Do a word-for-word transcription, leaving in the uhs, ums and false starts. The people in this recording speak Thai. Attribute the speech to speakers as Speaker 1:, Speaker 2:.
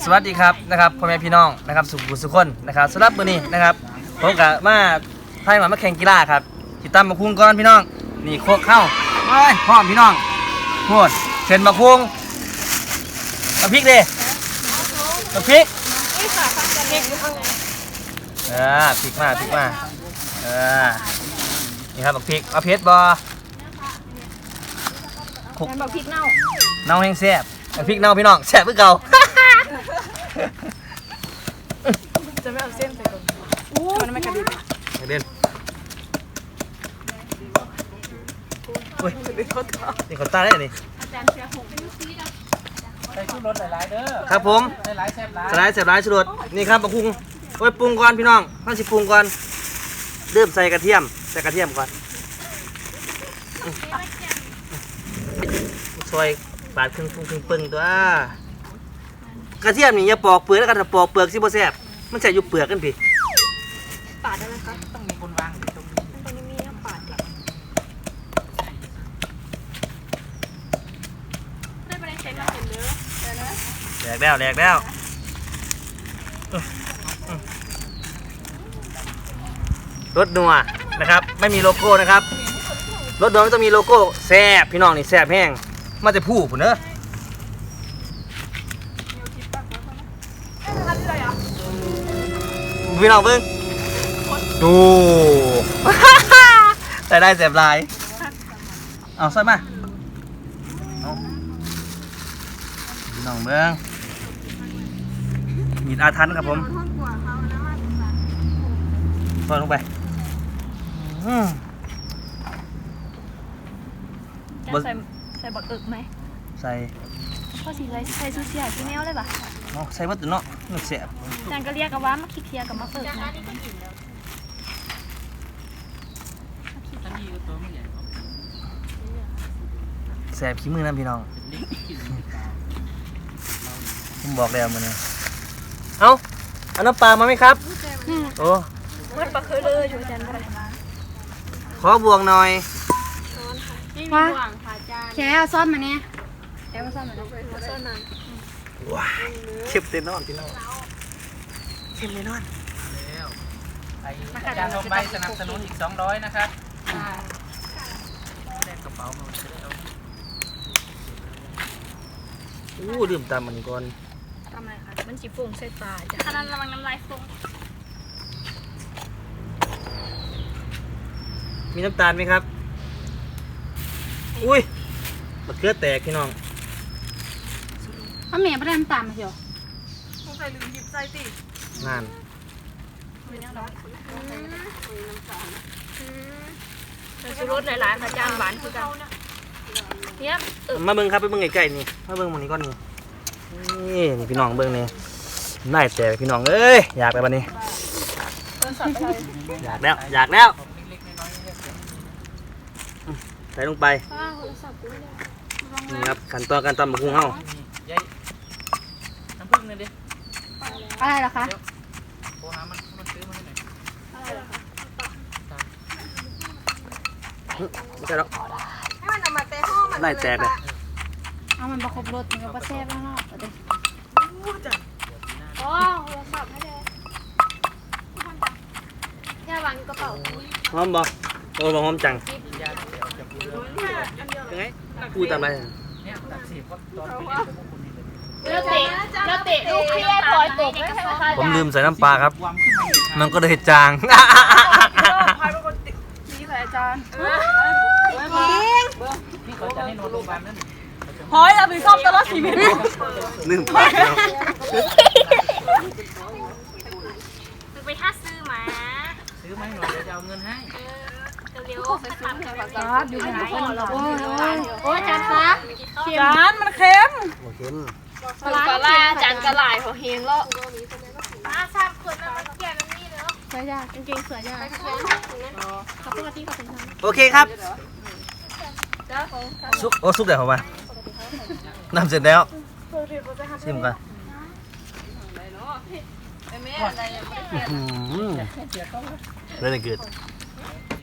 Speaker 1: วัสดีครับนะครับพ่อแม่พี่น้องนะครับสุขุสุขคนนะครับสำหรับมื้อนี้นะครับผมกับมาพายมามาแข่งกีฬาครับติดตามมาคุ้งก่อนพี่น้องนี่โคกเข้าเฮ้ยพร้อมพี่น้องโหดเชิญมาคุ้งมาพริกดิมาพริกเออพริกมาพริกมาเออนี่ครับบักพริกเอาเพชรบ่คุก
Speaker 2: บักพริกเน่า
Speaker 1: เน่าแห้งแซ่บบักพริกเน่าพี่น้องแซ่บเพื่อเก่า
Speaker 2: จะไม่เอาเส้นใส่ก่อนมันไม่กระดิ่ง
Speaker 1: เด่นโอ้ย
Speaker 2: จะเป็นข้าวตา
Speaker 1: นี่คนตาได้นี่
Speaker 2: อาจารย์เชียร์หง
Speaker 3: ใส่ชุดรถหลายๆเด้อ
Speaker 1: ครับผม
Speaker 3: ใส่หลายแซ่บหลาย
Speaker 1: สไลด์เสียบร้ายชุดนี่ครับบักพุงโอ้ยปรุงก่อนพี่น้องต้องสิปรุงก่อนเริ่มใส่กระเทียมใส่กระเทียมก่อนซอยบาดครึ่งปรุงครึ่งปึงตัวกระเทียมนี่อย่าปอกเปลือกแล้วกันถ้าปอกเปลือกสิบ่แซ่บมันใส่อยู่เปลือกกันพี่
Speaker 2: ปาดได้ไหมคะ
Speaker 3: ต้องมีคนวางอยู่ตรงนี้
Speaker 2: ตรงนี้มีน้ำปาดได้ไปได้เซ็นมาเห็นเด้อเดี๋ยวนะ
Speaker 1: แหลกแล้วแหลกแล้วรถนัวนะครับไม่มีโลโก้นะครับรถนัวไม่ต้องมีโลโก้แซ่บพี่น้องนี่แซ่บแห้งมาจะพูดผมเนอะพี่น้องเพิ่งดูแต่ได้แซ่บลายเอาใส่มาเอาพี่น้องเบิ้งมีดอาทันครับผมเปิดลงไปอืม
Speaker 2: จะใส่ใส่บักอึกไหม
Speaker 1: ใส่
Speaker 2: พ่อสีเลยใส่ซูเซียที่แมวเลยป่ะ
Speaker 1: เอาใส่วัตถุเนาะมันแซ่บ
Speaker 2: อาจารย์ก็เรียกกันว่ามาคิดเทียกับมาเปิดนะ
Speaker 3: อันนี้ก็ตัวไม่ใหญ่
Speaker 1: แซ่บขี้มือนะพี่น้อง
Speaker 3: เด็กกิน
Speaker 1: ผมบอกแล้วมื้อนี้เอาเอาน้ำปลามาไหมครับโอ้
Speaker 2: มันปลาเคยเลยอยู่อาจารย์อะไร
Speaker 1: ขอบวงหน่อย
Speaker 2: นี่มีห่วงค่ะอาจารย์
Speaker 4: แค่เอาซ่อนมาเนี่ยแค่เอาซ่อนมาเนี่ย
Speaker 2: มาเส้นนั้น
Speaker 1: ว้าเข้มเต็มนอนพี่น้องเข้มเลยนอน
Speaker 3: แล้วไอ้อาจารย์ลงใบสนับสนุนอีกสองร้อยนะครับแลกกระเป๋ามาจะได้เอา
Speaker 1: อู้ดื่มตามมันก่อน
Speaker 2: ทำไมคะมันจีฟุ้งใส่ตาจ้ะขนาดระวังน้ำลายฟุ้ง
Speaker 1: มีน้ำตาลไหมครับอุ้ยมะเขือแตกพี่น้อง
Speaker 4: เอาเมียไปได้น้ำตาลมาเชียว
Speaker 2: สงสัยลืมหยิบใส่ติ
Speaker 1: งาน
Speaker 2: ชูรสหลายๆค่ะอาจารย์หวานคือกันเนี่ยเออ
Speaker 1: มาเบิ่งครับไปเบิ่งใกล้ๆนี่มาเบิ่งหมันนี้ก่อนนี่นี่นี่พี่น้องเบิ่งนี่น่าแตกพี่น้องเอ้ยอยากแล้วบัดนี้อยากแล้วอยากแล้วใส่ลงไปนี่ครับขั้นตอนการตำบักหุ่งเฮา
Speaker 3: ใหญ่น้ำผึ้งเลยดิ
Speaker 4: อะไรเหรอคะ
Speaker 3: โทรหามันมันซื้อมาให้หน่อย
Speaker 1: ไม่ใช่หรอก
Speaker 2: ให้มันเอามาเตะห้องมัน
Speaker 1: ได้แตกเลย
Speaker 4: เอามันประคบรสมันก็ประแซ่บแล้วเนาะเอาดิ
Speaker 2: โอ้โทรศัพท์ให้เลยอย่าวางอยู่กระเป๋า
Speaker 1: หอมบ่โอ้บ่หอมจัง
Speaker 3: ยาเดี๋ยวจะพูดเรื่อง
Speaker 1: ยังไงพูดตามอะไร
Speaker 3: เนี่ยตัดสิบก็ตอนไปเล่นกับพวกคุณนี่เลย
Speaker 2: แล้วเตะแล้วเตะลูกพี่ให้ปล่อยตกไม่ใช่ไหมคะ
Speaker 1: ผมลืมใส่น้ำปลาครับ
Speaker 3: วางขึ้นมาอีกครับ
Speaker 1: มันก็เลยจาง
Speaker 2: พายเป็นคนตีใส่อาจารย์
Speaker 3: ที่เขาจะให้นอนโรงพยาบาลนั่น
Speaker 2: หอยเราเป็นชอบตลอดชีวิต
Speaker 1: ลืมปลาแล้ว
Speaker 2: คือไปท่าซื้อมา
Speaker 3: ซื้อมาให้หน่อยเดี๋ยวจะเอาเงินให้
Speaker 2: เร็วๆไปตัดกันก่อน
Speaker 4: ซอสอยู่ไหนคนโอ้ยโอ้ยอาจารย์คะ
Speaker 2: จานมันเค็ม
Speaker 1: โอเคม
Speaker 2: ปลาล่าจานกระหล่ายเขาเฮงแล้วปลาสามคนนะมันเกี่ยวน้ำนี่เนาะ
Speaker 4: เสือยากางเกงเสือยาก
Speaker 2: เขาปกติเขาเป็นทาง
Speaker 1: โอเคครับ
Speaker 2: เจ้าของ
Speaker 1: ซุปโอ้ซุปเดี๋ยวผมมาน้ำเสร็จแล้วชิมกัน
Speaker 2: แม่อะไร
Speaker 1: อื้อหือเลยเกิด